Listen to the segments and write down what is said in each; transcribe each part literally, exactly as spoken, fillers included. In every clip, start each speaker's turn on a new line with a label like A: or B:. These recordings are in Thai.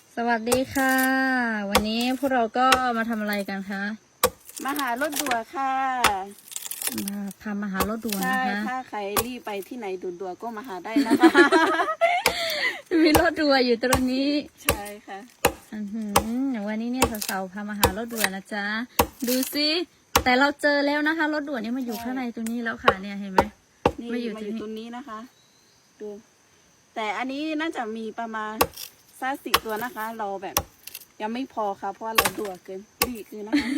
A: สวัสดีค่ะ วันนี้พวกเราก็มาทำอะไรกันคะ
B: มาหารถด่วนค่ะ
A: มาพามาหารถด่วนนะคะ
B: ใช่ถ้าใครรีบไปที่ไหนด่วนๆก็มาหาได้นะคะ
A: มีรถด่วนอยู่ตรงนี้
B: ใช่ค่ะ
A: อือหือวันนี้เนี่ยสาวๆพามาหารถด่วนนะจ๊ะดูสิแต่เราเจอแล้วนะคะรถด่วนนี่มาอยู่ข้างในตรงนี้แล้วค่ะเนี่ยเห็นไหม
B: นี่มาอยู่ตรงนี้นะคะดูแต่อันนี้น่าจะมีประมาณสักสิบตัวนะคะ เราแบบยังไม่พอค่ะเพราะว่าเราด่วนเกินรีบคือนะคะ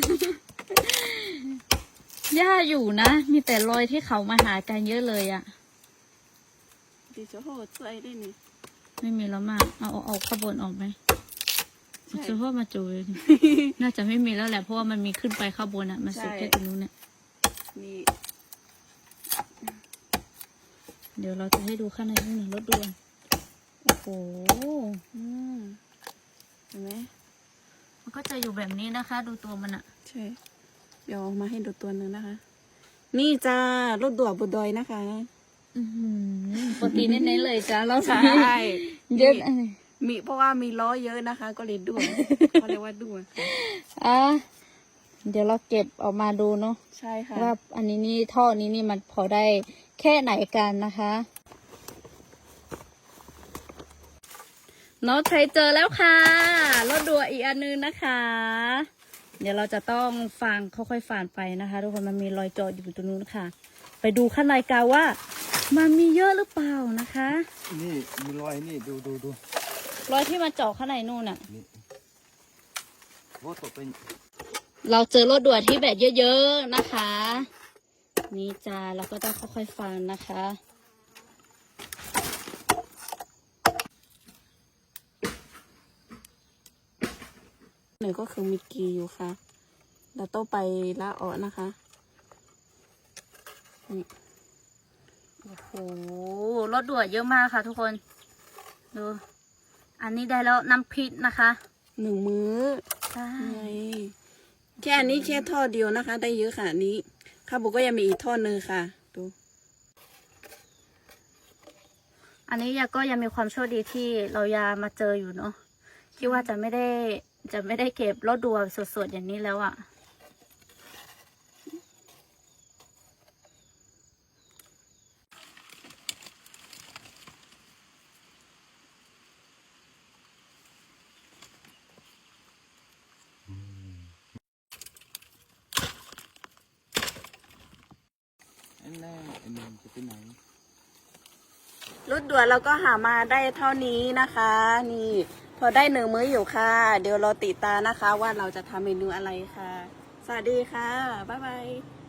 A: ย่าอยู่นะมีแต่รอยที่เขามาหากันเยอะเลยอะ
B: ดิฉันโหดใจได้นี่
A: ไม่มีแล้วมาเอาเอาเอาขบวนออกไหมจะพ่อมาจูเลยน่าจะไม่มีแล้วแหละเพราะว่ามันมีขึ้นไปข้างบนอะมันสุดแค่ตรงนู้นเนี่ย
B: นี่
A: เดี๋ยวเราจะให้ดูข้างในนี่หนึ่งรถด่วนโอ้โห
B: อืมเห็นไหม
A: มันก็จะอยู่แบบนี้นะคะ ดูตัวมันอะ
B: ใช่เดี๋ยวมาให้ดูตัวหนึ่งนะคะ นี่จ้ารถด่วนบุดอยนะคะ
A: อืมปกติเน้นๆเลยจ้าเรา
B: ใช่
A: เยอะ
B: มีเพราะว่ามีล้อเยอะนะคะ ก็เลยด่วนเขาเรียกว่าด่วน
A: อ่ะเดี๋ยวเราเก็บออกมาดูเนาะ
B: ใช่ค่ะ
A: ว่าอันนี้นี่ท่อนี้นี่มันพอได้แค่ไหนกันนะคะน้องใช้เจอแล้วค่ะรถด่วนอีกอันนึงนะคะ เดี๋ยวเราจะต้องฟังค่อยๆฝ่านไปนะคะทุกคนมันมีรอยจอดอยู่ตรงนู้นค่ะไปดูข้างในกันว่ามันมีเยอะหรือเปล่านะคะ
C: นี่มีรอยนี่ดูดูดู
A: รอยที่มาเจาะข้างในนู่นน่ะ
C: นี่รถตกไป
A: เราเจอรถด่วนที่แบบเยอะๆนะคะนี่จ้าเราก็ต้องค่อยๆฟังนะคะ
B: หนึ่งก็คือมีกีอยู่ค่ะเราต้องไปละออนะคะ
A: นี่โอ้โหรถด่วนเยอะมากค่ะทุกคนดูอันนี้ได้แล้วน้ำพริกนะคะ
B: หนึ่งมื้อ
A: ใช่
B: แค่อันนี้แค่ท่อเดียวนะคะ ได้เยอะค่ะนี้ข้าวบุกก็ยังมีอีกท่อนึงค่ะดู
A: อันนี้ยาก็ยังมีความโชคดีที่เรายามาเจออยู่เนาะคิดว่าจะไม่ได้จะไม่ได้เก็บรถด่วนสดๆอย่างนี้แล้วอะ่ะ
C: อันแรกอันนึงจะไปไหน
B: รถด่วนเราก็หามาได้เท่านี้นะคะ นี่พอได้หนึ่งมื้ออยู่ค่ะ เดี๋ยวเราติดตามนะคะว่าเราจะทำเมนูอะไรค่ะสวัสดีค่ะบ๊ายบาย